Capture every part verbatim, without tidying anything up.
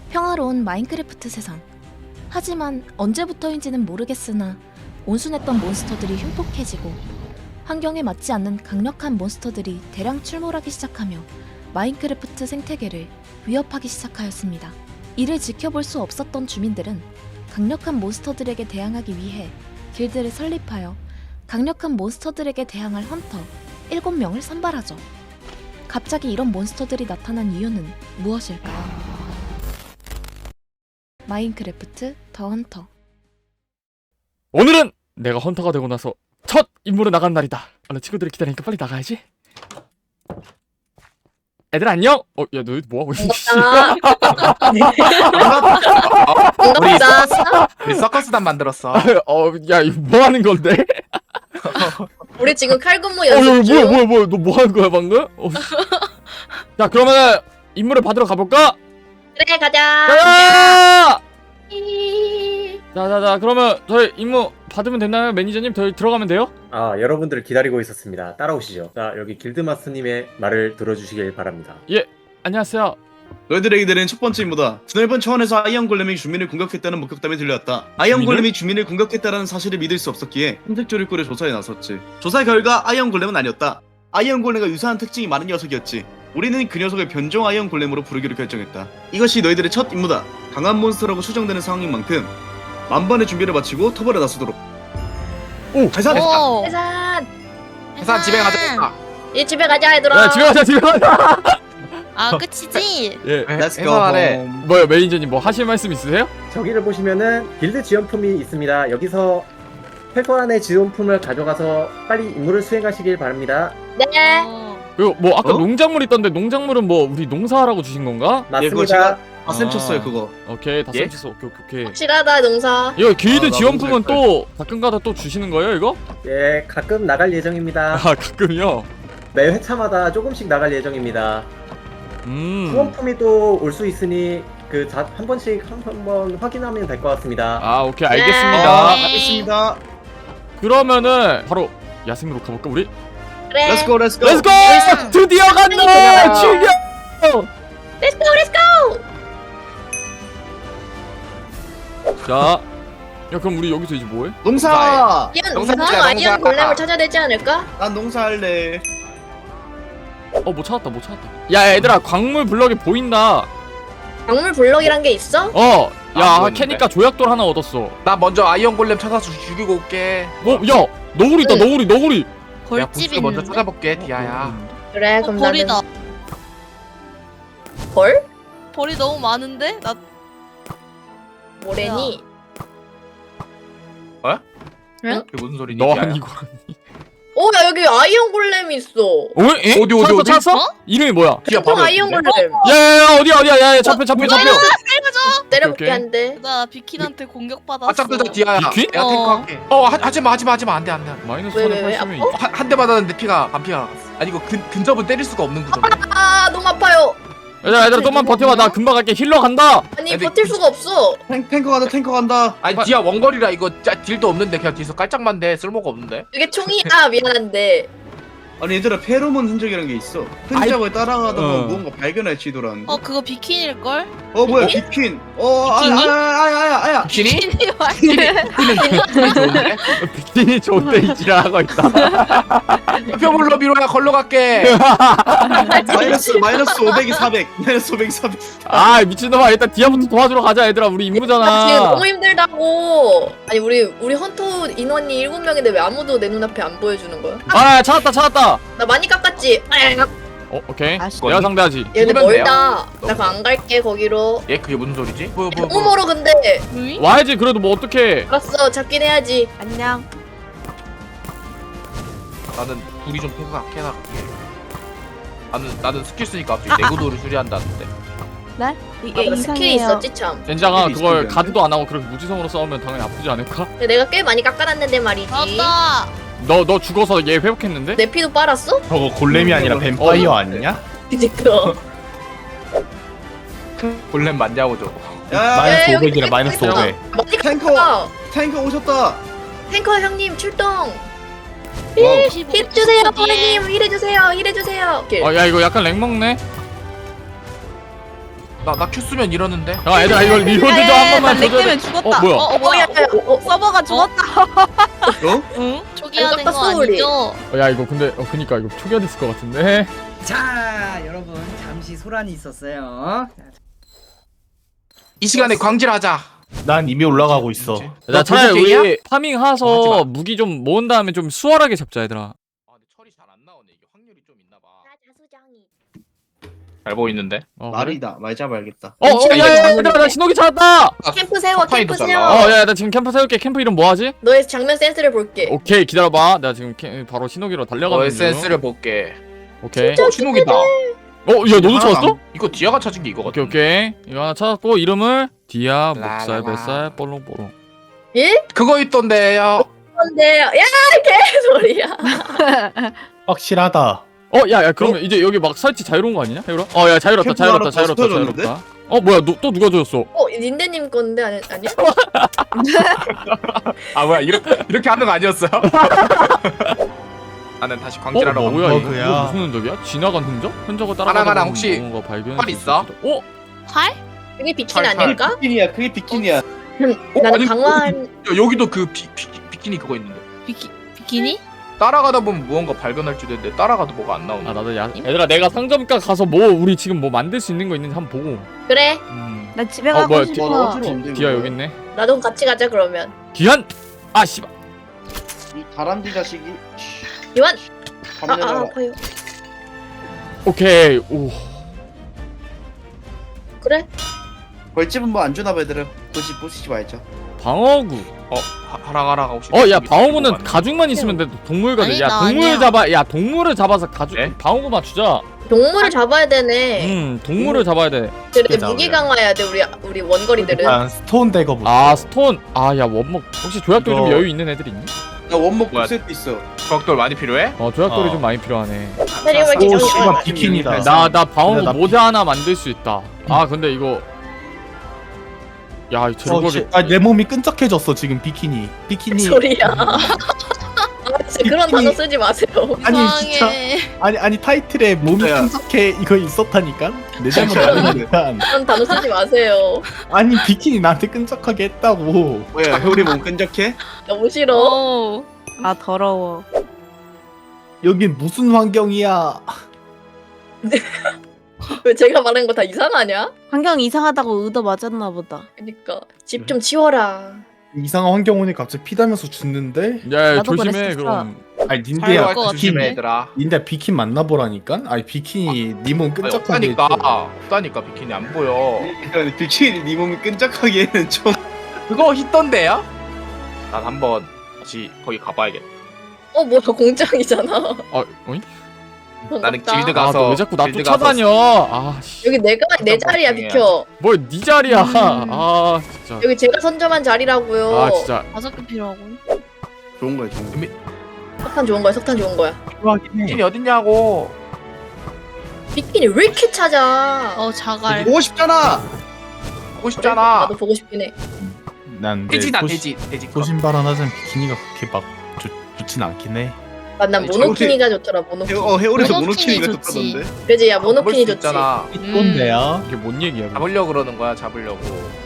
평화로운 마인크래프트 세상. 하지만 언제부터인지는 모르겠으나 온순했던 몬스터들이 흉폭해지고 환경에 맞지 않는 강력한 몬스터들이 대량 출몰하기 시작하며 마인크래프트 생태계를 위협하기 시작하였습니다. 이를 지켜볼 수 없었던 주민들은 강력한 몬스터들에게 대항하기 위해 길드를 설립하여 강력한 몬스터들에게 대항할 헌터 일곱 명을 선발하죠. 갑자기 이런 몬스터들이 나타난 이유는 무엇일까요? 마인크래프트 더 헌터. 오늘은 내가 헌터가 되고 나서 첫 임무로 나간 날이다. 오늘 친구들이 기다리니까 빨리 나가야지. 애들 안녕? 어, 야, 너 뭐하고 있니? 반갑다. 우리 서커스단 만들었어. 어, 야, 이거 뭐 하는 건데? 우리 지금 칼군무 어, 야, 연습 뭐야, 중. 뭐야, 뭐야, 너 뭐 하는 거야, 방금? 어. 자, 그러면은 임무를 받으러 가볼까? 그래 가자. 가자! 자, 자, 자, 그러면 저희 임무 받으면 됐나요? 매니저님, 저희 들어가면 돼요? 아, 여러분들 기다리고 있었습니다. 따라오시죠. 자, 여기 길드마스님의 말을 들어주시길 바랍니다. 안녕하세요. 너희들에게 내린 첫 번째 임무다. 드넓은 초원에서 아이언 골렘이 주민을 공격했다는 목격담이 들려왔다. 아이언 주민을? 골렘이 주민을 공격했다는 사실을 믿을 수 없었기에 탐색조를 꾸려 조사에 나섰지. 조사 결과 아이언 골렘은 아니었다. 아이언 골렘과 유사한 특징이 많은 녀석이었지. 우리는 그 녀석을 변종 아이언 골렘으로 부르기로 결정했다. 이것이 너희들의 첫 임무다. 강한 몬스터라고 추정되는 상황인 만큼 만반의 준비를 마치고 터벌에 나서도록. 오! 해산! 오. 해산. 회사 집에 가자. 이제 집에 가자 얘들아. 야, 집에 가자, 집에 가자! 아 끝이지? 예. Let's go 회사하래. home. 뭐요, 매니저님, 뭐 하실 말씀 있으세요? 저기를 보시면은 길드 지원품이 있습니다. 여기서 최소한의 지원품을 가져가서 빨리 임무를 수행하시길 바랍니다. 네. 어. 그리고 뭐 아까 어? 농작물 있던데 농작물은 뭐 우리 농사하라고 주신 건가? 예, 그거 맞습니다. 제가 다 쌤 아. 쳤어요 그거. 오케이, 다 예? 쌤쳤어. 오케이, 오케이, 오케이. 확실하다 농사. 이거 길드 아, 나 지원품은 농사할 또 가끔가다 또 주시는 거예요, 이거? 예, 가끔 나갈 예정입니다. 아, 가끔요? 매 회차마다 조금씩 나갈 예정입니다. 음. 후원품이 또 올 수 있으니 그 한 번씩 한 번 확인하면 될 것 같습니다. 아, 오케이, 아, 알겠습니다. 네. 알겠습니다. 그러면은 바로 야생으로 가볼까, 우리? 그래. Let's go, let's go. 렛츠고! 야생! 드디어 간다! 야생! 출격! Let's go, let's go. 자, 야, 그럼 우리 여기서 이제 뭐해? 농사. 이런 농사 이상한 짓자, 아이언 농사. 골렘을 찾아야 되지 않을까? 난 농사할래. 어, 뭐 찾았다, 뭐 찾았다. 야, 얘들아, 광물 블럭이 보인다. 광물 블럭이란 게 있어? 어, 아, 야, 보이는데? 캐니까 조약돌 하나 얻었어. 나 먼저 아이언 골렘 찾아서 죽이고 올게. 어, 야, 너구리 있다, 응. 너구리, 너구리. 내가 벌집 보스 먼저 있는데? 찾아볼게, 디아야. 그래 어, 그럼 벌이다. 나는 벌? 벌이 너무 많은데? 나 뭐래니? 그게 무슨 소리니? 너 디아야? 아니고. 어, 야 여기 아이언 골렘이 있어. 어? 에? 어디, 어디, 찾았어, 어디? 찾았어? 어? 이름이 뭐야? 디아 보통 바로 아이언 옆인데? 골렘. 야야야, 어디야, 어디야, 야야, 잡혀, 잡혀, 잡혀. 때려볼게 오케이. 한데. 나 비킨한테 공격받았어. 바짝 뜨자, 디아야. 비킨? 내가 어. 탱커할게. 어, 하, 하지마, 하지마, 하지마. 안 돼, 안 돼. 안 돼. 마이너스 왜, 왜, 왜? 팔십이면 아파? 한, 한 대 맞았는데 피가, 반 피가 나갔어. 아니, 이거 근, 근접은 때릴 수가 없는 구조네. 아 너무 아파요. 얘들아, 얘들아, 좀만 버텨봐. 나 금방 갈게. 힐러 간다. 아니 근데 버틸 수가 없어. 탱, 탱커 간다, 탱커 간다. 아니, 디아 원거리라 이거 짜, 딜도 없는데 그냥 뒤에서 깔짝만 돼. 쓸모가 없는데. 이게 총이야 미안한데. 아니 얘들아 페로몬 흔적이란 게 있어. 흔적을 따라가다가 어. 무언가 발견할지도라는. 어 그거 비킨일걸? 어 뭐야 비킨. 어 아야 비키니? 아야 아야 아야. 비키니? 비킨이 맞 비키니 좋은데? 비키니 좋은데 이지랄 하고 있다. 표물로 미로야 걸러 갈게. 마이너스 마이너스 오백이 사백. 마이너스 오백이 사백. 아, 미친놈아. 일단 디아부터 도와주러 가자, 얘들아. 우리 나 지금 임무잖아. 너무 힘들다고. 아니 우리 우리 헌터 인원이 일곱 명인데 왜 아무도 내 눈앞에 안 보여주는 거야? 아, 찾았다, 찾았다. 나 많이 깎았지. 어, 오케이. 아씨. 내가 상대하지. 얘네 죽으면 멀다. 나 너무 그거 안 갈게 거기로. 얘 그게 무슨 소리지? 뭐, 뭐, 너무 뭐. 멀어 근데. 응? 와야지. 그래도 뭐 어떡해. 알았어 잡긴 해야지. 안녕. 나는 둘이 좀 탱커 갖게 해놔갈게. 나는 나는 스킬 쓰니까 갑자기 내구도를 수리한다는데. 네? 이게 아, 나 스킬이 있었지 참. 젠장아, 스킬이 그걸 있으면 가드도 안 하고 그렇게 무지성으로 싸우면 당연히 아프지 않을까? 근데 내가 꽤 많이 깎아놨는데 말이지. 나왔다. 너, 너 죽어서 얘 회복했는데? 내 피도 빨았어? 저거 골렘이 아니라 뱀파이어 아니냐? 그니까. 골렘 맞냐고 저거. 야 오백이라 마이너스 오백. 많이 탱커 깎아. 탱커 오셨다. 탱커 형님 출동. 와우. 힐 주세요 선생님. 힐해주세요. 힐해주세요. 어, 야, 이거 약간 렉 먹네? 나나 큐 쓰면 이러는데. 야 얘들아 이거 리로드 좀 한 번만 렉 줘줘. 때문에 죽었다. 어 뭐야? 어, 어 뭐야? 어, 어, 서버가 죽었다. 어? 응? 초기화된 깜빡 거 소리. 아니죠? 어, 야 이거 근데 어 그니까 이거 초기화됐을 것 같은데. 자, 여러분 잠시 소란이 있었어요. 이 시간에 광질하자. 난 이미 올라가고 있어. 뭐지? 자 너 차라리 도둑쟁이야? 우리 파밍 어, 하지 하서 마. 무기 좀 모은 다음에 좀 수월하게 잡자 얘들아. 아 근데 철이 잘 안 나오네. 이게 확률이 좀 있나 봐. 잘 보이는데. 어, 그래? 말이다. 말 잡아야겠다. 어, 어, 야, 야, 야, 얘들아, 나 신호기 찾았다! 캠프 세워, 석파이도 캠프 잘 세워. 나와. 어, 야, 나 지금 캠프 세울게. 캠프 이름 뭐 하지? 너의 장면 센스를 볼게. 오케이, 기다려봐. 나 지금 캠, 바로 신호기로 달려가는 너의 중. 센스를 볼게. 오케이. 어 신호기다. 어, 야, 너도 하나도 찾았어? 안- 이거 디아가 찾은 게 이거 오케이, 같은데. 오케이. 이거 하나 찾았고, 이름을 디아, 목살, 라라라. 뱃살, 볼롱볼롱. 예? 그거 있던데요. 근데 야 개소리야. 확실하다. 어, 야, 야, 그러면 이제 여기 막 설치 자유로운 거 아니냐? 해유라? 어, 야, 자유롭다, 캠프 자유롭다, 하나 자유롭다, 더 쏟아졌는데? 자유롭다. 어, 뭐야, 너, 또 누가 줬어? 어 닌데님 건데 아니 아니야? 아 뭐야 이렇게 이렇게 하는 거 아니었어요? 나는 다시 어, 광질하러 뭐야, 가. 이거, 버그야. 이거 무슨 흔적이야? 지나간 흔적? 흔적을 따라가다 하나하나 보면 혹시 뭔가 발견할 활 수 있어? 있을 수도- 어? 활? 그게 비킨 잘, 잘. 아닐까? 비키니야. 그게 비키니야. 어, 나는 아니, 강화한 야, 여기도 그 비, 비, 비키니 그거 있는데. 비키 비키니? 따라가다 보면 무언가 발견할 줄 알았는데 따라가도 뭐가 안 나오네. 아, 나도 야, 얘들아, 내가 상점가 가서 뭐, 우리 지금 뭐 만들 수 있는 거 있는지 한번 보고. 그래. 음. 나 집에 어, 가고 뭐야, 싶어. 와, 어지러워, 근데 디아 이거. 여기 있네. 나도 같이 가자 그러면. 기한! 아, 씨발. 이 다람쥐 자식이. 요한. 아, 밤 아 내놔라. 아파요. 오케이. 오. 그래? 벌집은 뭐 안 주나 봐 얘들아. 보시 보시지 말자. 방어구. 어 하- 하랑하랑 혹시. 어, 야, 여기 방어구는 보고 가죽만 있으면 돼. 동물거든. 아니, 야, 나 동물 아니야. 잡아. 야, 동물을 잡아서 가죽 네? 방어구만 주자. 동물을 잡아야 되네. 음, 동물을 잡아야 돼. 그래 어떻게 무기 잡으려? 강화해야 돼 우리 우리 원거리들은. 일단 스톤 대거부터. 아, 스톤. 아, 야, 원목. 혹시 조약돌 좀 이거- 여유 있는 애들 있니? 나 원목 뭐야? 두 세트 있어. 벽돌 많이 필요해? 어, 조약돌이 어. 좀 많이 필요하네. 세리오 오, 기정이 씨발 비키니다. 나, 나 방어구 근데 나 모자 하나 만들 수 있다. 아, 근데 이거. 야, 어, 저거를. 씨, 아, 내 몸이 끈적해졌어 지금 비키니. 비키니. 소리야. 아 진짜 그런 단어 쓰지 마세요. 아니, 이상해. 아니 아니 타이틀에 몸이 진짜야. 끈적해 이거 있었다니까. 내 잘못 아니니까. 그런 단어 쓰지 마세요. 아니 비키니 나한테 끈적하게 했다고. 뭐야 해오리 몸 끈적해? 너무 싫어. 어. 아 더러워. 여긴 무슨 환경이야? 왜 제가 말한 거 다 이상하냐? 환경 이상하다고 의도 맞았나 보다. 그니까 집 좀 치워라. 이상한 환경 오니 갑자기 피다면서 죽는데? 야, 야, 나도 조심해, 그랬었어. 그럼. 아니 닌데야 사용할 거 것 비키니. 조심해 얘들아. 닌데 비킨 만나보라니까? 아니 비키니 니 몸 아니, 끈적하게 없다니까. 했죠. 없다니까 비키니 안 보여. 그러니까 비키니 네 몸이 끈적하기에는 좀. 그거 있던데요? 난 한번 다시 거기 가봐야겠다. 어 뭐야 공장이잖아. 아, 어이? 나는 반갑다. 길드 아, 가서 너 왜 자꾸 나 길드 쫓아다녀? 아, 씨. 여기 내가 내 자리야 공장이야. 비켜. 뭘 네 자리야. 음. 아, 진짜. 여기 제가 선점한 자리라고요. 아, 진짜. 다섯 개 필요하고. 좋은 거야 좋은 거. 석탄 좋은 거야 석탄 좋은 거야. 필요하긴 해. 비키니 어딨냐고. 비키니 왜 이렇게 찾아? 어 자갈. 보고 싶잖아. 보고 싶잖아. 나도 보고 싶긴 해. 난내 돼지다 소신- 돼지 돼지. 소신발언 하자면 비키니가 그렇게 막 좋, 좋진 않긴 해. 난, 난 아니, 모노키니가 좋더라 모노키니. 해, 어 해오리에서 모노키니 모노키니가 좋지. 좋다던데. 그지 야 잡을 모노키니 수 좋지. 있잖아. 이건데요. 이게 뭔 얘기야? 그럼? 잡으려고 그러는 거야 잡으려고.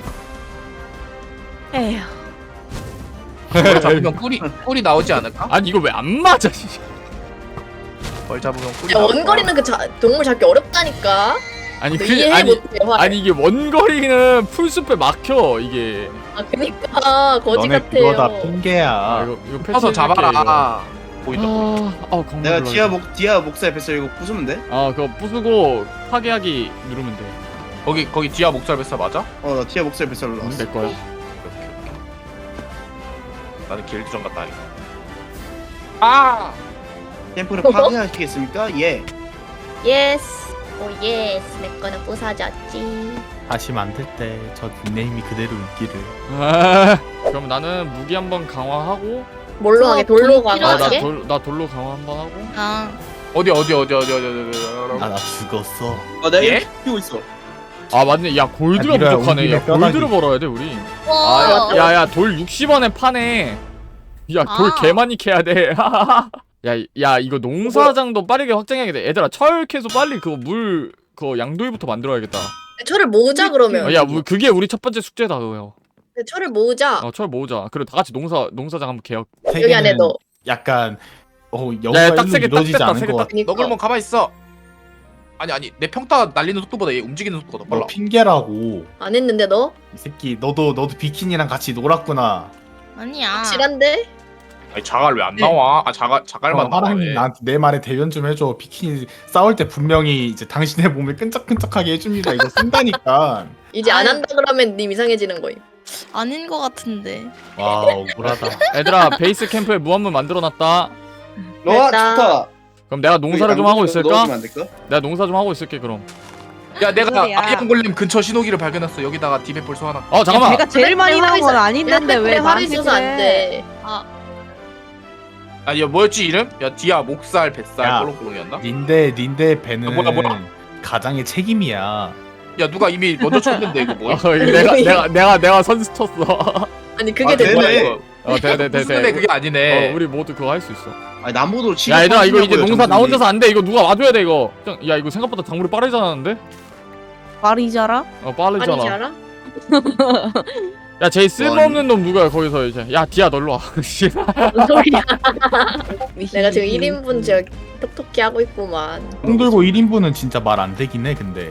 에휴. 뭘 잡으면 꿀이 꿀이 나오지 않을까? 아니, 이거 왜 안 맞아? 씨. 뭘 잡으면 꿀이 야 나올 거야. 원거리는 그 자, 동물 잡기 어렵다니까. 아니, 너 그, 이해 아니, 못해 화. 아니, 이게 원거리는 풀숲에 막혀, 이게. 아 그니까 거지 너네 같아요. 그거 다 핑계야. 아, 이거, 이거 펴서 패치해줄게, 이거. 잡아라. 보인다. 아, 아, 광고 내가 눌러야 디아 돼. 목 디아 목살 뱃살 이거 부수면 돼? 아, 그거 부수고 파괴하기 누르면 돼. 거기 거기 디아 목살 뱃살 맞아? 어 나 디아 목살 뱃살로 음, 나왔어. 내 거야. 오케이, 오케이, 오케이. 나는 길드전 갔다 하니까. 아! 캠프를 파괴하시겠습니까? 예. 예스. 오 예스. 내 거는 부사졌지. 다시 만들 때 저 닉네임이 그대로 있기를. 아, 그럼 나는 무기 한번 강화하고. 뭘로 하게? 돌로 돈 아, 나 강화하게? 돌, 나 돌로 강화 한번 하고. 아. 어디 어디 어디 어디 어디 어디 어디. 아 나 죽었어. 아 내가 예? 이렇게 키우고 있어. 아, 맞네. 야, 골드가 야, 미라야, 부족하네. 우리 야, 집에 뼈다귀. 골드를 벌어야 돼, 우리. 와. 아, 야, 야, 돌 육십 원에 파네. 야, 돌 아. 개 많이 캐야 돼. 야, 야, 이거 농사장도 빠르게 확장해야 돼. 얘들아, 철 캐서 빨리 그거 물 그 양도위부터 만들어야겠다. 철을 모으자 그러면. 어, 야 우리, 그게 우리 첫 번째 숙제다 그거요. 철을 모으자. 어, 철 모으자. 그리고 다 같이 농사 농사장 한번 개혁. 여기 안에 넣어. 약간 어 야, 영어가 딱 일로 세 개, 딱 이루어지지 됐다, 않은 세 개 것 딱. 같아. 그러니까. 너 그러면 가만히 있어. 아니 아니 내 평타 날리는 속도보다 얘 움직이는 속도가 더 너 빨라. 핑계라고. 안 했는데 너? 이 새끼 너도 너도 비키니랑 같이 놀았구나. 아니야. 확실한데? 아니 자갈 왜 안 나와? 아 자갈 자갈만 어, 나와. 하랑이 왜? 나한테 내 말에 대변 좀 해줘. 비키니 싸울 때 분명히 이제 당신의 몸을 끈적끈적하게 해줍니다. 이거 쓴다니까. 이제 안 아유. 한다 그러면 님 이상해지는 거임. 아닌 것 같은데. 와 억울하다. 얘들아 베이스 캠프에 무한물 만들어놨다. 와 됐다. 좋다. 그럼 내가 농사를 좀 하고 있을까? 넣어주면 안 될까? 내가 농사 좀 하고 있을게 그럼. 야 내가 소리야. 아이언 골렘 근처 신호기를 발견했어. 여기다가 디베폴 소환할게. 어 잠깐만. 내가 제일 많이 나온 건 아닌데 왜 화를 나한테 써서 안 그래? 돼. 아니 야 뭐였지 이름? 야 디아 목살 뱃살 야. 꼴롱꼴롱이었나? 닌데 닌데 배는 아, 뭐야, 뭐야? 가장의 책임이야. 야 누가 이미 먼저 쳤는데 이거 뭐야? 어, 이거 내가 내가 내가 내가 선수 쳤어. 아니 그게 아, 된 되네. 거야. 이거? 어, 돼, 돼, 돼, 무슨 애 돼. 그게 아니네. 어, 우리 모두 그거 할 수 있어. 아니 남보도 치고. 야, 얘들아, 이거 이제 하시냐고요, 농사 나 정수님. 혼자서 안 돼. 이거 누가 와줘야 돼, 이거. 형, 야, 이거 생각보다 작물이 빠르잖아는데? 말이 자라? 어, 빠르잖아. 아니지 알아? 야, 제일 쓸모없는 놈 누구야, 거기서 이제. 야, 디아, 널로 와. 씨. 뭔 소리야? 내가 지금 일 인분 저 톡톡히 하고 있구만. 콩 들고 일 인분은 진짜 말 안 되긴 해 근데.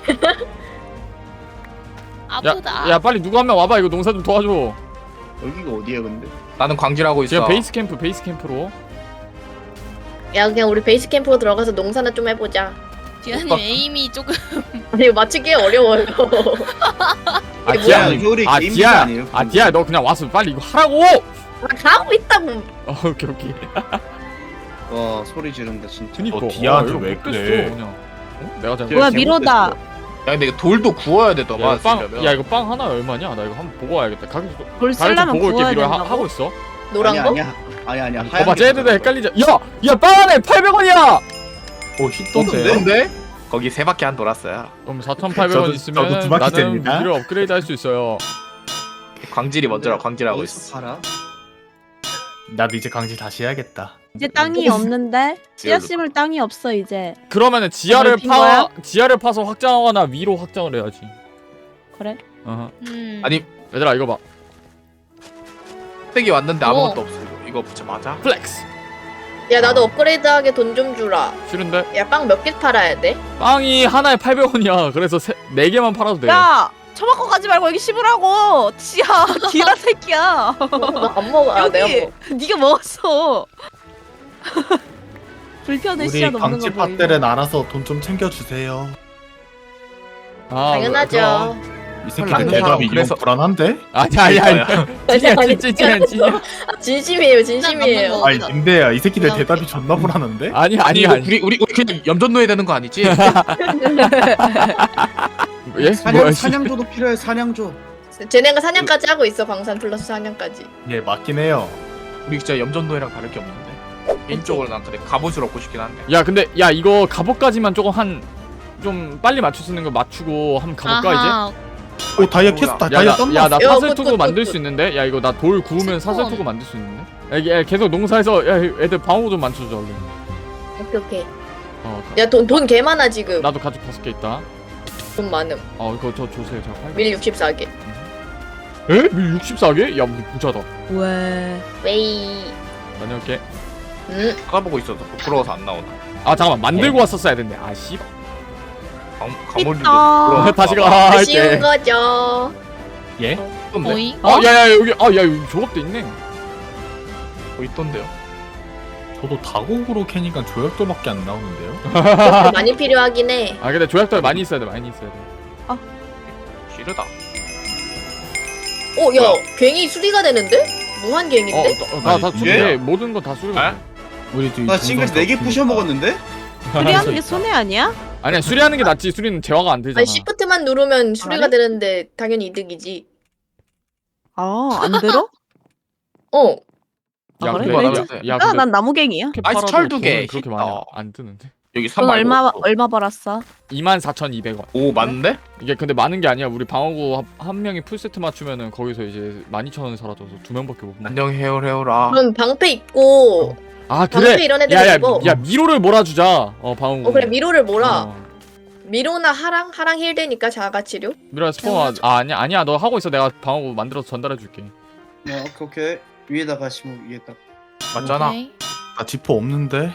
아프다. 야, 야, 빨리 누구 한 명 와봐. 이거 농사 좀 도와줘. 여기가 어디야 근데? 나는 광질하고 있어. 지금 베이스 캠프, 베이스 캠프로. 야 그냥 우리 베이스 캠프로 들어가서 농사나 좀 해보자. 디아님 오빠. 에임이 조금. 아니 이거 맞추기 어려워요. 아, 이게 디아, 뭐야, 겨울에 아, 게임 디아, 비자 아니에요? 아, 디아, 너 그냥 와서 빨리 이거 하라고! 아, 하고 있다고. 어, 오케이, 오케이. 와 소리 지른다 진짜. 그니까. 너 디아한테 이거 왜 못 그래? 됐어, 그냥. 어? 내가 잘못. 뭐야 잘못됐어. 미로다. 야 근데 이거 돌도 구워야 돼 야, 너가 이거 빵, 쓰려면. 야, 이거 빵 하나 얼마냐? 나 이거 한번 보고 와야겠다. 가격 좀. 돌 가격 좀 쓰려면 보고 이렇게 구워야 미로 하, 된다고? 하고 있어. 노란 아니야, 거? 아니야 아니야 아니야. 어, 하얀 봐, 게 쟤네들 맞아. 헷갈리자. 야! 야, 빵 하나에 팔백 원이야! 오 히던데요? 근데 거기 세 바퀴 안 돌았어요. 그럼 사천팔백 원 저도- 있으면 저도 두 바퀴 나는 됩니다. 무기를 업그레이드 할 수 있어요. 광질이 먼저라 광질하고 어디서 있어. 팔아? 나도 이제 강질 다시 해야겠다. 이제 땅이 없는데? 씨앗 심을 땅이 없어 이제. 그러면은 지하를 넓힌 파 거야? 지하를 파서 확장하거나 위로 확장을 해야지. 그래? 어허. 음. 아니 얘들아 이거 봐. 팩이 왔는데 어. 아무것도 없어. 이거 이거 진짜 맞아? 플렉스. 야 나도 업그레이드하게 돈 좀 주라. 싫은데? 야 빵 몇 개 팔아야 돼? 빵이 하나에 팔백 원이야. 그래서 세, 네 개만 팔아도 돼. 야! 처먹고 가지 말고 여기 심으라고. 지야, 디아 새끼야. 나안 먹어. 아 내가 여기 먹어. 네가 먹었어. 불편해 우리 씨앗 없는 거 강질 보이고. 팟들은 알아서 돈 좀 챙겨주세요. 아, 당연하죠. 그럼. 이 새끼들 헐, 대답이 그래서- 좀 불안한데? 아니 아니 아니. 찐이야 아니, 찐찐 찐이야. 아, 진심이에요 진심이에요. 어, 아니 근데야 이 새끼들 나 대답이 존나 불안한데? 아니 아니 아니 이거 아니. 우리 우리 우리 그냥 염전 놓아야 되는 거 아니지? 예? 사냥 뭐야, 씨. 사냥조도 필요해 사냥조. 쟤네가 사냥까지 하고 있어. 광산 플러스 사냥까지. 예 맞긴 해요. 우리 진짜 염전 노예랑 다를 게 없는데. 개인적으로 난 근데 갑옷을 얻고 싶긴 한데. 야 근데 야 이거 갑옷까지만 조금 한 좀 빨리 맞출 수 있는 거 맞추고 한번 가볼까 이제? 아하. 오 다이아 캐스다 다이아 떴나? 야나 야, 사슬 굿, 투구 굿, 만들 굿, 수 있는데? 야 이거 나 돌 구우면 사슬 스폰. 투구 만들 수 있는데? 야, 이게 계속 농사에서 야 애들 방어 좀 맞춰줘 얼른. 오케이 오케이. 어 가- 야 돈 돈 개 많아 지금. 나도 가죽 다섯 개 있다. 돈 많음. 어 이거 저 주세요 제가 팔. 밀 육십사 개. 에? 밀 육십사 개? 야 우리 부자다. 왜? 웨이. 다녀올게. 음. 찾아보고 있어서 부끄러워서 안 나오나. 아 잠깐만 만들고 왔었어야 됐네. 아 씨. 강 강물도 있다. 다시 가 할 쉬운 때. 거죠. 예? 있던데. 오이? 어 야야 여기 아 야 여기 조각도 있네. 어 있던데요. 저도 다곡으로 캐니까 조약돌밖에 안 나오는데요? 그렇게 많이 필요하긴 해. 아 근데 조약돌 많이 있어야 돼 많이 있어야 돼. 싫다. 오, 야, 뭐야? 괭이 수리가 되는데? 무한 괭인데? 어나다 아니, 수리해 예? 모든 거 다 수리해. 에? 우리 지금 나 싱글 네 개 부셔 먹었는데? 수리하는 게 손해 아니야? 아니야 수리하는 게 낫지 수리는 재화가 안 되잖아. 아니, 시프트만 누르면 수리가 그래? 되는데 당연히 이득이지. 아, 안 들어? 어. 야 아, 그래? 근데 왜 야, 이제- 야 아, 근데 난 나무갱이야. 이렇게 아이스 팔아도 철 두 개. 돈은 그렇게 많이 어. 안 뜨는데? 여기 넌 삼 얼마 얼마 벌었어? 이만 사천이백 원. 오 맞는데? 이게 근데 많은 게 아니야. 우리 방어구 한, 한 명이 풀세트 맞추면은 거기서 이제 만 이천 원이 사라져서 두 명밖에 못 먹어. 안녕 해오해오라. 그럼 방패 입고, 아 방패 그래. 이런 애들 야야 입어. 야 미로를 몰아주자. 어 방어구. 어, 그래, 미로를 몰아. 어. 미로나 하랑 하랑 힐되니까 자가 치료. 미로야 스포 아 아니야 아니야 너 하고 있어. 내가 방어구 만들어서 전달해 줄게. 어, 오케이 오케이. 위에다가 심어 위에다. 맞잖아. 오케이. 나 지퍼 없는데.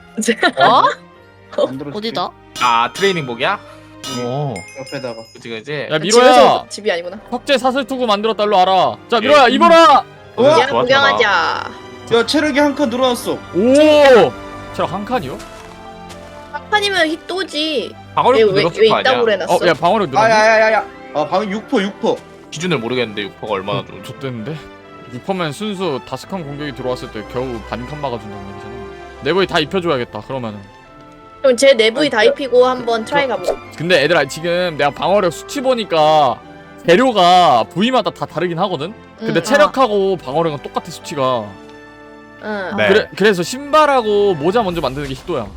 어? 만들어줄게. 어디다? 아 트레이닝복이야? 어. 옆에다가. 그치 그치. 야 집에서 미로야 집이 아니구나. 석재 사슬투구 만들었달로 알아. 자 미로야 입어라. 어? 야 좋아, 구경하자. 야 체력이 한 칸 늘어났어. 오. 체력 한 칸이요? 한판이면 힙도지. 방어력 얘왜 늘었을 왜 거 아니야? 이따구로 해놨어? 어 야 방어력 늘었네. 아야야야야. 아 방금 육 퍼 육 퍼. 기준을 모르겠는데 육 퍼가 얼마나 좋은지. 좋댔는데? 육 퍼면 순수 다섯 칸 공격이 들어왔을 때 겨우 반칸 막아준다는 얘기잖아. 내부에 다 입혀줘야겠다 그러면은. 그럼 제 내부에 다 입히고 한번 트라이 가보자. 근데 얘들아 지금 내가 방어력 수치 보니까 재료가 부위마다 다 다르긴 하거든? 근데 응. 체력하고 방어력은 똑같아 수치가. 응. 네. 그래, 그래서 신발하고 모자 먼저 만드는 게 히도야.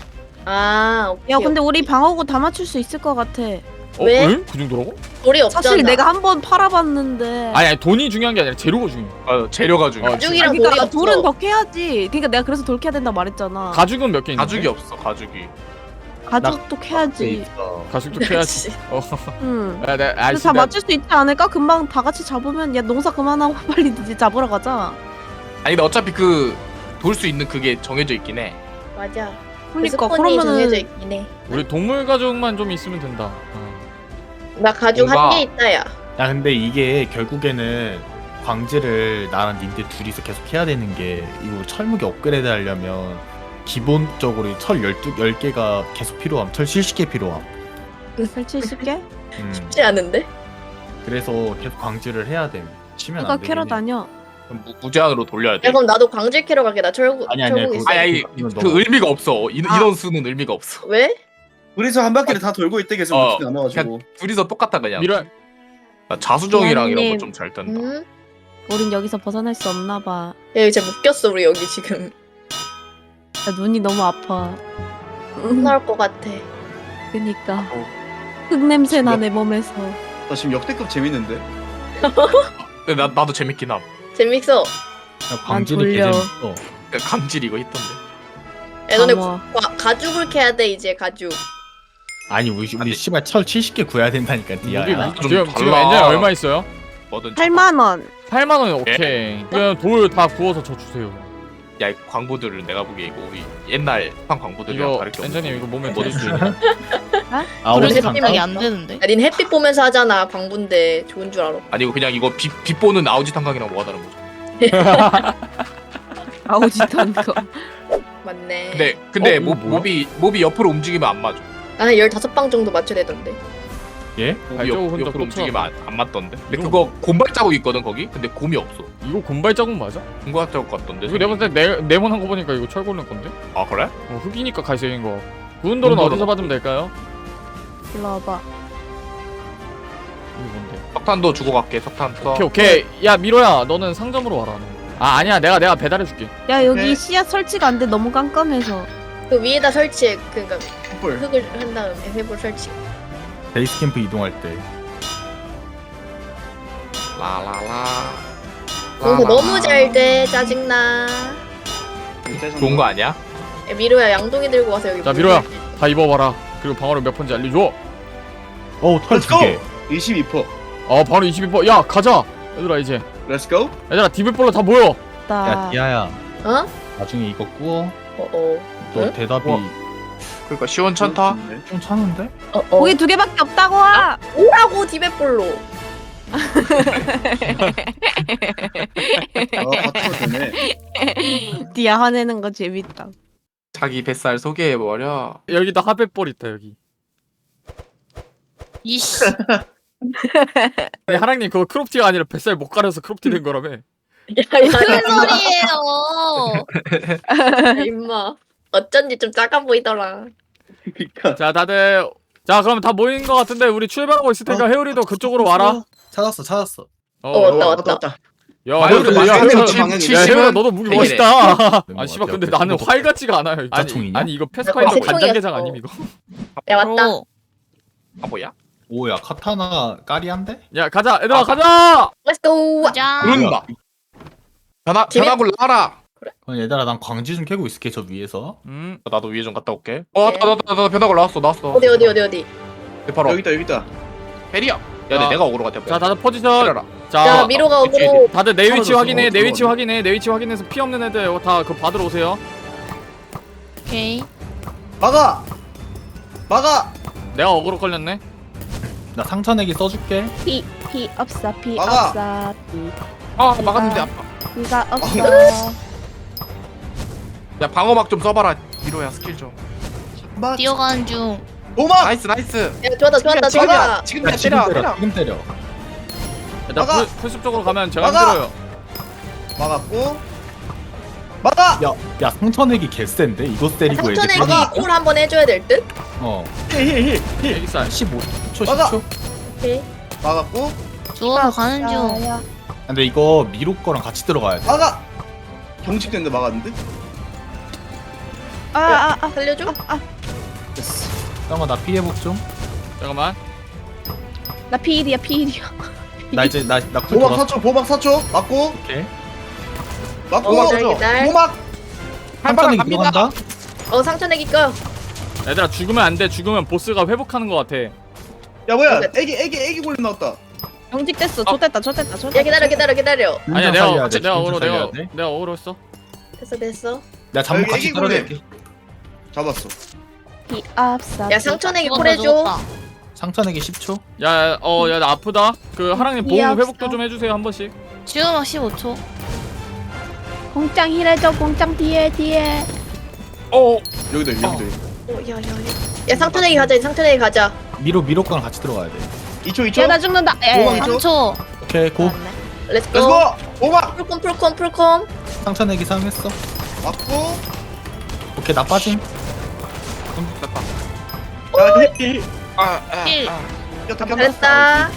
아 오케이. 야 근데 우리 방어구 다 맞출 수 있을 것 같아. 어? 왜? 응? 그 정도라고? 돌이 없잖아. 사실 내가 한 번 팔아봤는데. 아니 아니 돈이 중요한 게 아니라 재료가 중요해. 아 재료가 중요해. 어, 가죽이랑 아니, 돌이 그러니까 없어. 돌은 더 캐야지. 그러니까 내가 그래서 돌 캐야 된다 말했잖아. 가죽은 몇 개 있는데? 가죽이 없어 가죽이. 가죽도 캐야지. 가죽도 캐야지. 어. 응. 야, 내, 아, 근데 다 맞출 수 있지 않을까? 금방 다 같이 잡으면 야 농사 그만하고 빨리 이제 잡으러 가자. 아니 근데 어차피 그 돌 수 있는 그게 정해져 있긴 해. 맞아. 그러니까 스폰이 정해져 그러면은 있긴 해. 우리 동물 가죽만 좀 있으면 된다. 어. 나 가죽 뭔가- 한 개 있다 야. 야 근데 이게 결국에는 광질을 나랑 님들 둘이서 계속 해야 되는 게 이거 철무기 업그레이드 하려면 기본적으로 철 열두, 열 개가 계속 필요함. 철 칠십 개 필요함. 칠십 개? 음. 쉽지 않은데? 그래서 계속 광질을 해야 돼. 치면 내가 안 되겠네. 캐러 다녀. 그럼 무, 무제한으로 돌려야 돼. 야 그럼 나도 광질 캐러 갈게. 나 철구 아니, 아니야, 철구 그거- 있어. 아니 아니 이건 그 너무- 의미가 없어. 인, 아. 인원 수는 의미가 없어. 왜? 우리서 한 바퀴를 다 돌고 있대 계속 어. 루틴 남아가지고. 그냥 둘이서 똑같다 그냥. 미라 나 자수정이랑 이런 미안님. 거 좀 잘 뜬다. 응? 우린 여기서 벗어날 수 없나 봐. 야 이제 묶였어 우리 여기 지금. 나 눈이 너무 아파. 혼날 것 같아. 그니까. 어. 흙 냄새 나 내 몸에서. 나 지금 역대급 재밌는데. 근데 나 나도 재밌긴 함. 재밌어. 야, 광질이 졸려. 개재밌어. 그러니까 감질 이거 있던데. 야 너네 감어. 가, 가죽을 캐야 돼 이제 가죽. 아니 우리 우리 씨발 철 칠십 개 구해야 된다니까 우리 디아야. 좀 지금 지금 달라. 엔진 얼마 있어요? 뭐든 팔만 원. 팔만 원이 오케이. 그냥 돌 다 구워서 저 주세요. 야, 이 광고들을 내가 보기에 이거 우리 옛날 판 광고들이랑 이거 다를 게 없어. 엔진님 이거 몸에 뭐 드릴 수 있어? 있나? 아 우리 우리 집 잠깐. 생각이 안 되는데. 야 닌 햇빛 보면서 하잖아 방분데 좋은 줄 알아. 아니 이거 그냥 이거 빛 빛보는 아우지 탄광이랑 뭐가 다른 거죠? 아우짓한 거. 맞네. 근데 근데 어, 이거 몹, 뭐야? 몹이 몹이 옆으로 움직이면 안 맞아. 나는 열다섯 방 정도 맞춰야 되던데. 예? 몹이 발자국 옆, 혼자 옆으로 움직이면 안, 안 맞던데. 근데 이거 그거 곰발 자국 있거든 거기. 근데 곰이 없어. 이거 곰발 자국 맞아? 곰발 자국 같던데. 이거 내가 봤을 때 네, 네모난 거 보니까 이거 철골른 건데? 아 그래? 어, 흙이니까 갈색인 거. 구운 돌은 구운 돌은 어디서 받으면 될까요? 일로 와봐. 이거 뭔데? 석탄도 주고 갈게. 석탄 써. 오케이 오케이. 야 미로야 너는 상점으로 와라. 너. 아 아니야 내가 내가 배달해줄게. 야 여기 네. 씨앗 설치가 안 돼. 너무 깜깜해서. 그 위에다 설치해. 그러니까 헐. 흙을 한 다음에 회볼 설치. 베이스 캠프 이동할 때. 라라라. 그거 너무 잘 돼. 짜증나. 좋은 거 아니야? 야, 미로야 양동이 들고 와서 여기. 자, 물 미로야. 설치. 다 입어봐라. 그리고 방어력 몇 번지 알려줘. 어털 Let's 두 go! 개. 이십이 퍼. 어 바로 이십이 퍼센트. 야 가자. 얘들아 이제. Let's go. 얘들아 디블볼로 다 모여. 야 나. 디아야. 어? 나중에 이거 구워. 어어. 너 응? 대답이 어. 그러니까 시원찮다. 좀 차는데? 어어. 고기 두 개밖에 없다고. 와. 오라고 디벳볼로. 아 바꿔도 되네. 디아 화내는 거 재밌다. 자기 뱃살 소개해 버려. 여기다 하백볼 있다 여기. 이씨. 아니 하랑님 그거 크롭티가 아니라 뱃살 못 가려서 크롭티 된 거라며. 야야 소리예요. 임마. 어쩐지 좀 작아 보이더라. 그러니까. 자 다들 자 그럼 다 모인 거 같은데 우리 출발하고 있을 테니까 해오리도 그쪽으로 와라. 찾았어 찾았어. 어, 왔다, 왔다. 왔다. 야 마이어도 해오리, 야, 마이어도 해오리, 칠- 야 칠십은 해오리 너도 무기 백이네. 멋있다. 네, 아 씨발 뭐, 근데 옆에 나는 또 활 같지가 않아요. 아니 자총이냐? 아니 이거 패스파이더 나 간장게장 권총이었어. 아님 이거? 야 왔다. 아 뭐야? 오야 카타나 까리한데? 야 가자 얘들아 아, 가자. Let's go. 짠. 그런다. 변화 재밌- 변화굴 나와라. 그럼 얘들아 난 광지 좀 캐고 있을게 저 위에서. 음. 나도 위에 좀 갔다 올게. 어, 나나 나 나 변화가 나왔어 나왔어. 어디 어디 어디 어디. 네, 바로 여기 있다 여기 있다. 해리야. 야, 자, 내 내가 오그로 같아. 자 다들 포지션. 때려라. 자 자 미로가 그치. 어그로. 다들 내 위치 떨어졌어. 확인해. 내 어, 위치 들어오네. 확인해. 내 위치 확인해서 피 없는 애들 다 그 받으러 오세요. 오케이. 막아. 막아. 내가 어그로 걸렸네. 나 상처내기 써줄게. 피, 피 없어, 피 막아. 없어, 피, 아, 막았는데 아파. 피가 없어. 야, 방어막 좀 써봐라. 미로야 스킬 좀. 막. 뛰어가는 중. 도막. 나이스 나이스. 야 좋았다 좋았다 지금이야. 좋았다. 지금이야. 야, 지금 때려 때려. 때려. 지금 때려. 일단 막아! 풀- 풀숲 쪽으로 가면 제가 막아! 힘들어요. 막았고. 막아. 야, 야 상처내기 개센데 이거 때리고 애들. 상처내기 막아! 콜 한번 해줘야 될 듯. 어. 힐힐힐 힐. 애기살. 십오 초 막아! 십 초. 오케이. 막았고. 주워 가는 중. 근데 이거 미로 거랑 같이 들어가야 돼. 막아. 경직된데 막았는데? 아, 아, 아. 살려줘. 됐어. 잠깐만 나 피해복 좀. 잠깐만. 나 피일이야, 피일이야. 나 이제 나나쿨 보막 돌았어. 사 초 보막 사 초. 맞고. 오케이. 맞고. 어, 기다려, 기다려. 보막. 상처내기 갑니다. 들어간다. 어 상처내기 꺼. 얘들아 죽으면 안 돼. 죽으면 보스가 회복하는 것 같아. 야 뭐야? 애기 애기 애기 골렘 나왔다. 경직됐어. 좋됐다, 좋됐다, 좋됐다. 야 기다려 기다려 기다려. 아니야 살려야 내가 돼, 내가 어그로 살려야 내가 돼. 내가 어그로 했어. 됐어 됐어. 나 잠복 여기 같이 애기 골렘. 떨어질게. 잡았어. 피 없어. 야 상처내기 콜 해줘. 상처내기 십 초. 야, 어, 야, 나 아프다. 그 하랑님 보험 미안합니다. 회복도 좀 해주세요 한 번씩. 지금 십오 초. 공짱 힐해줘, 공짱 뒤에, 뒤에. 어, 여기도 여기도. 어, 야야야. 야 상처내기 가자 상처내기 가자. 미로 미로 거랑 같이 들어가야 돼. 이 초 이 초. 야, 나 죽는다. 도망쳐. 에, 삼 초. 오케이 고. 렛츠고. 렛츠고. 보막. 풀콤 풀콤 풀콤. 상처내기 사용했어. 맞고. 오케이 나 빠짐. 됐다. 야 힐. 아, 아, 힐. 아. 야 다 잘했다.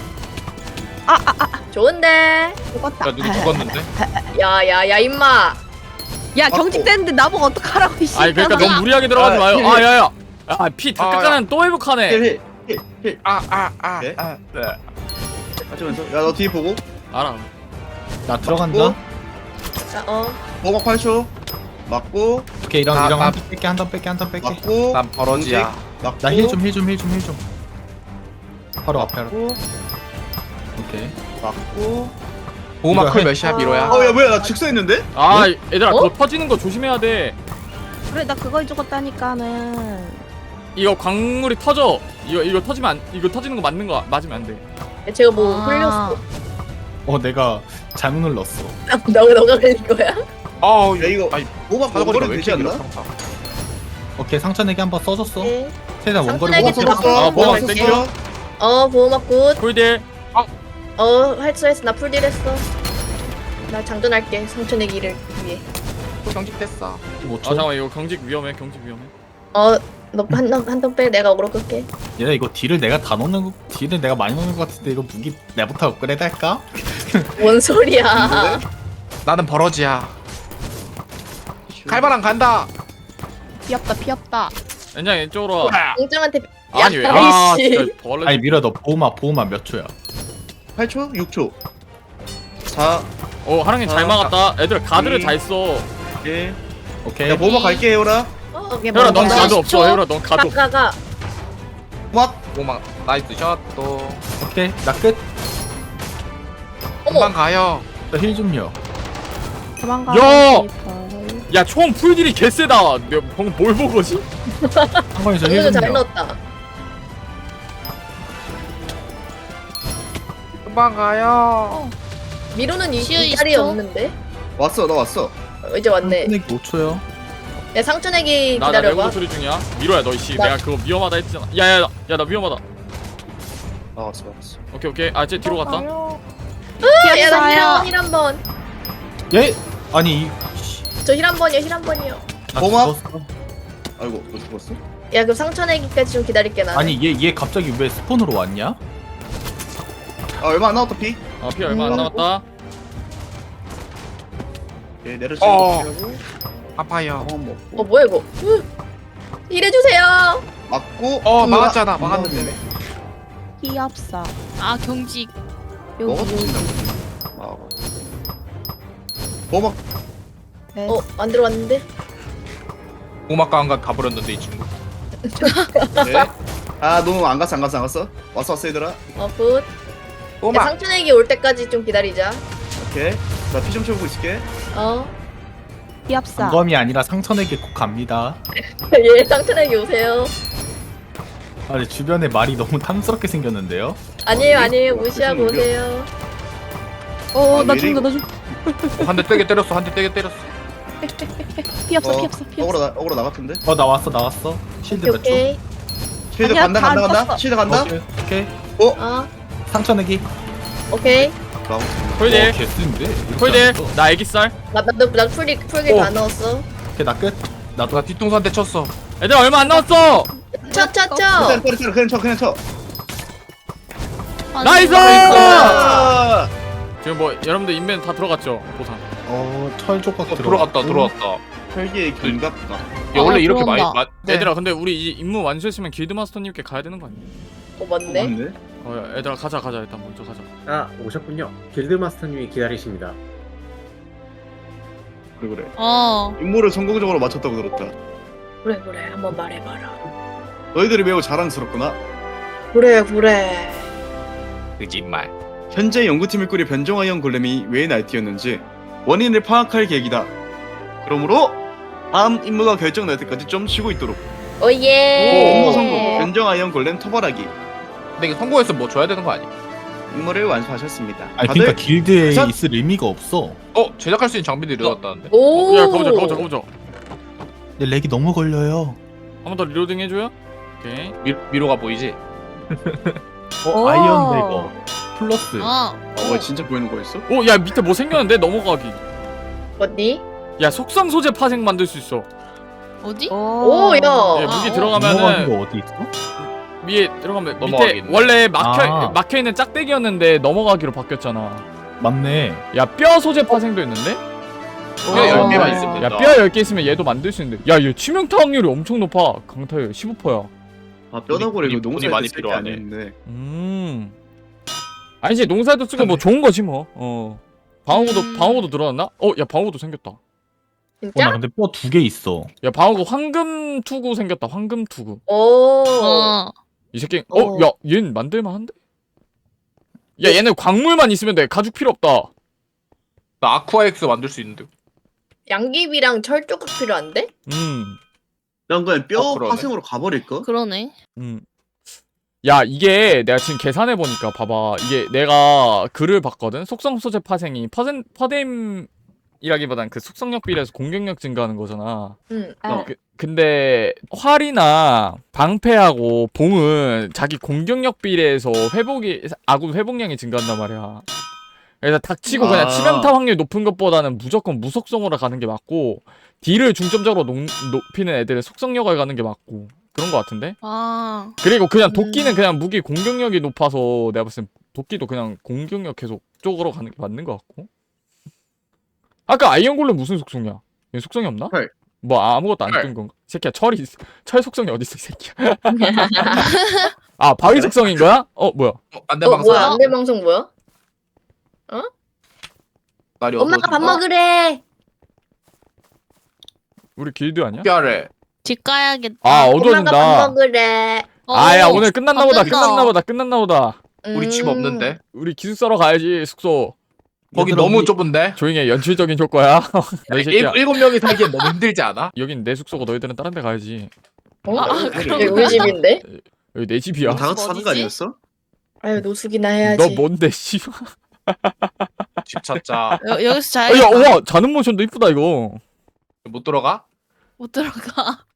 좋은데. 죽었다. 야, 누구 죽었는데? 야야야 임마. 야, 맞고. 경직됐는데 나보고 어떡하라고, 이씨. 아니 그러니까 너무 무리하게 들어가지 아, 마요. 힐, 아, 힐. 야야. 아, 피 다 아, 깎아는 또 회복하네. 힐 힐. 힐. 아, 아, 아, 네? 아. 네. 하면서 야너 뒤에 보고. 알아. 나 들어간다. 맞고. 자, 어. 보막 팔 초. 맞고. 오케이 이랑 나- 이랑 나- 한턴 뺄게 한 턴 뺄게 한 턴 뺄게. 맞고. 난 버러지야. 맞고. 나 힐 좀 힐 좀 힐 좀 힐 좀. 바로 앞에 알아. 맞고. 오케이. 맞고. 보호막 이거 쿨 해. 몇이야, 미로야? 어 야 뭐야 나 즉사했는데? 아, 얘들아 어? 그거 터지는 거 조심해야 돼. 그래, 나 그거 죽었다니까는. 이거 광물이 터져. 이거 이거 터지면 안, 이거 터지는 거 맞는 거 맞으면 안 돼. 야, 제가 뭐 아. 흘렸어. 어 내가 잘못 눌렀어. 너가 너가 흘린 거야? 어, 야 이거 아니, 보막 사거리가 원거리 왜 되지 이렇게 않나? 길어? 평타. 오케이 상처내기 한번 써줬어. 네. 최대한 원거리 상처내기 보고 좀 써줬어. 어, 아, 보호막 보호막 땡겨. 어 보호막 굿. 콜딜. 어 할수 했어. 나 풀딜 했어. 나 장전할게 상처내기를 위해. 또 경직됐어. 십오 아 초. 잠깐만 이거 경직 위험해. 경직 위험해. 어너한한턴 빼. 내가 어그로 끌게. 얘네 이거 딜을 내가 다 넣는 거, 딜을 내가 많이 넣는 것 같은데 이거 무기 내부터 업그레이드 할까? 뭔 소리야? 나는 버러지야. 칼바람 간다. 피없다, 피없다. 연장 이쪽으로 와. 공장한테 아니 왜? 야, 아, 이씨. 진짜 벌레. 아니 미라 너 보호막 보호막 몇 초야? 팔 초? 육 초. 사. 어, 하랑님 잘 아, 막았다. 애들 가드를 이. 다 했어. 일. 오케이. 야 보막 갈게 해오라. 어, 혜라 넌 어, 가드 십 없어. 초. 혜라 넌 가드 없어. 가가가. 보막. 보호막 나이스 샷 또. 오케이 나 끝. 금방 어머. 가요. 나 힐 좀요. 도망가. 야! 야, 총 풀딜이 개쎄다. 내가 방금 뭘 보고지? 한 번에 저힐 오늘도 잘 좀요. 넣었다. 금방 가요. 미로는 이, 시우 이 이십 자리에 초? 없는데? 왔어 나 왔어. 어, 이제 왔네. 상처내기 오 초요. 야 상처내기 나, 나 기다려봐. 내구도 소리 중이야. 미로야, 너 이씨. 나- 내가 그거 위험하다 했잖아. 야, 야, 야, 나 위험하다. 나 왔어 왔어. 오케이, 오케이. 아, 쟤 뒤로 갔다. 야나 힐 한 번. 얘 아니 이. 씨, 저 힐 한 번이요 힐 한 번이요. 나 보호막? 죽었어. 아이고 너 죽었어? 야 그럼 상처내기까지 좀 기다릴게 나. 아니 얘 얘 갑자기 왜 스폰으로 왔냐? 아 얼마 안 남았다 피. 아, 피 얼마 안 음. 남았다. 예 내려치. 어. 고 아파요. 어 먹고. 어 뭐야 이거? 으. 힐해주세요. 맞고. 어, 뭐야? 막았잖아. 안 막았는데. 나오네. 피 없어. 아, 경직. 여기, 먹어도 여기. 된다고. 아. 보막. 어, 안 들어왔는데? 고막과 한간 가버렸는데 이 친구. 네. 아 너무 안 갔어 안 갔어 안 갔어. 왔어 왔어 얘들아. 어, 굿. 야, 꼬막. 상춘에게 올 때까지 좀 기다리자. 오케이. 나 피 좀 채우고 있을게. 어. 비합사. 단검이 아니라 상천에게 꼭 갑니다. 예, 상춘에게 오세요. 아니 주변에 말이 너무 탐스럽게 생겼는데요. 아니에요, 아니에요. 무시하고 어, 오세요. 어, 아, 나 왜 죽는다, 나 이래, 죽. 한 대 떼게 때렸어. 한 대 떼게 때렸어. 피합사, 어, 피합사, 피합사. 어그로 나 어그로 나갔던데. 어 나왔어 나왔어. 실드 오케이, 몇 초? 오케이. 쉴드 아니야, 간다 다 간다 안 간다. 떴어. 쉴드 간다. 오케이 오케이. 어, 상천에게. 오케이. 나오고. 콜딜 어, 개쓰인데. 이렇게 콜딜 안 써. 나 애기살. 나, 나, 나, 나 풀기, 풀기 어. 다 넣었어. 오케이 나 끝. 나도 나 뒤통수 한 대 쳤어. 얘들아 얼마 안 남았어. 쳐, 쳐, 쳐. 그냥 쳐 그냥 쳐 그냥 쳐. 나이스. 아! 지금 뭐 여러분들 인벤 다 들어갔죠 보상. 어철 조각 어, 들어갔다 들어갔다. 혈기의 견갑다. 야 원래 아, 이렇게 많이 들어온다. 마, 네. 얘들아 근데 우리 이 임무 완수했으면 길드 마스터님께 가야 되는 거 아니야? 어, 맞네. 맞네. 어 야, 얘들아 가자 가자 일단 먼저 가자. 아 오셨군요. 길드 마스터님이 기다리십니다. 그래 그래. 어. 임무를 성공적으로 마쳤다고 들었다. 그래, 그래. 한번 말해봐라. 너희들이 매우 자랑스럽구나. 그래, 그래. 거짓말. 현재 연구팀을 꾸려 변종아이언 골렘이 왜 날뛰었는지 원인을 파악할 계획이다. 그러므로 다음 임무가 결정날 때까지 좀 쉬고 있도록. 오, 예. 임무 성공. 변종아이언 골렘 토벌하기. 근데 이거 성공했으면 뭐 줘야 되는 거 아니야? 임무를 완수하셨습니다. 아니 다들 그러니까 길드에 우선- 있을 의미가 없어. 어 제작할 수 있는 장비들이 들어갔다는데. 오. 야 가보자 가보자 가보자. 근데 렉이 너무 걸려요. 한 번 더 리로딩 해줘요. 오케이. 미, 미로가 보이지? 어 오. 아이언 대거 플러스. 아. 어, 뭐 진짜 보이는 거였어? 오 야 밑에 뭐 생겼는데 넘어가기. 어디? 야 속성 소재 파생 만들 수 있어. 어디? 오, 야. 예, 무기 아, 들어가면은 넘어가는 거 어디 있어? 위에 들어가면 밑에 넘어가겠네. 원래 막혀 아. 막혀 있는 짝대기였는데 넘어가기로 바뀌었잖아. 맞네. 야 뼈 소재 파생도 있는데? 뼈 열 개만 야, 있으면 야 된다. 뼈 열 개 있으면 얘도 만들 수 있는데. 야얘 치명타 확률이 엄청 높아. 강타율 십오 퍼센트야. 아 뼈다구리 돈이- 이거 돈이 농사에 많이 쓸게 필요하네. 아니었는데. 음. 아니지 농사도 쓰고 뭐 좋은 거지 뭐. 어. 방어구도 음. 방어구도 늘어났나? 어, 야 방어구도 생겼다. 어, 나 진짜? 근데 뼈 두 개 있어. 야 방어구 황금 투구 생겼다. 황금 투구. 오. 어. 이 새끼. 어. 어, 야 얘는 만들만 한데? 야 얘는 광물만 있으면 돼. 가죽 필요 없다. 나 아쿠아엑스 만들 수 있는데. 양귀비랑 철 조각 필요한데? 음. 난 그냥 뼈 어, 그러네. 파생으로 가버릴까? 그러네. 음. 야 이게 내가 지금 계산해 보니까 봐봐. 이게 내가 글을 봤거든. 속성 소재 파생이 퍼센 퍼뎀이라기보단 그 속성력 비례해서 공격력 증가하는 거잖아. 응. 어. 그, 근데 활이나 방패하고 봉은 자기 공격력 비례해서 회복이 아군 회복량이 증가한단 말이야. 그래서 닥치고 그냥 아. 치명타 확률 높은 것보다는 무조건 무속성으로 가는 게 맞고 딜을 중점적으로 높, 높이는 애들의 속성력을 가는 게 맞고 그런 거 같은데? 아. 그리고 그냥 도끼는 그냥 무기 공격력이 높아서 내가 봤을 땐 도끼도 그냥 공격력 계속 쪽으로 가는 게 맞는 것 같고. 아까 아이언 골렘 무슨 속성이야? 얘 속성이 없나? 철. 뭐 아무것도 안 철. 뜬 건가? 이 새끼야 철이 있- 철 속성이 어디 있어 이 새끼야? 아 바위 속성인 거야? 어 뭐야? 어, 안돼 어, 방송. 뭐야? 안돼 방송 뭐야? 날이 엄마가 밥 어두워진다. 먹으래. 우리 길드 아니야? 뼈래. 집 가야겠다. 아 엄마가 어두워진다. 밥 먹으래. 어. 아야 오늘 끝났나 보다. 안 된다. 끝났나 보다. 끝났나 보다. 우리 집 음. 없는데. 우리 기숙사로 가야지 숙소. 거기 얘들아, 너무 우리- 좁은데. 조용히 해. 연출적인 효과야. 너희 새끼야. 일, 일곱 명이 살기엔 너무 힘들지 않아? 여긴 내 숙소고 너희들은 다른 데 가야지. 어? 아, 여기 우리 집인데? 여기 내 집이야. 다 같이 사는 거 어디지? 아니었어? 아유 노숙이나 해야지. 너 뭔데 씨. 집 찾자. 여, 여기서 야, 자야겠다. 와 자는 모션도 이쁘다 이거. 못 들어가? 못 들어가.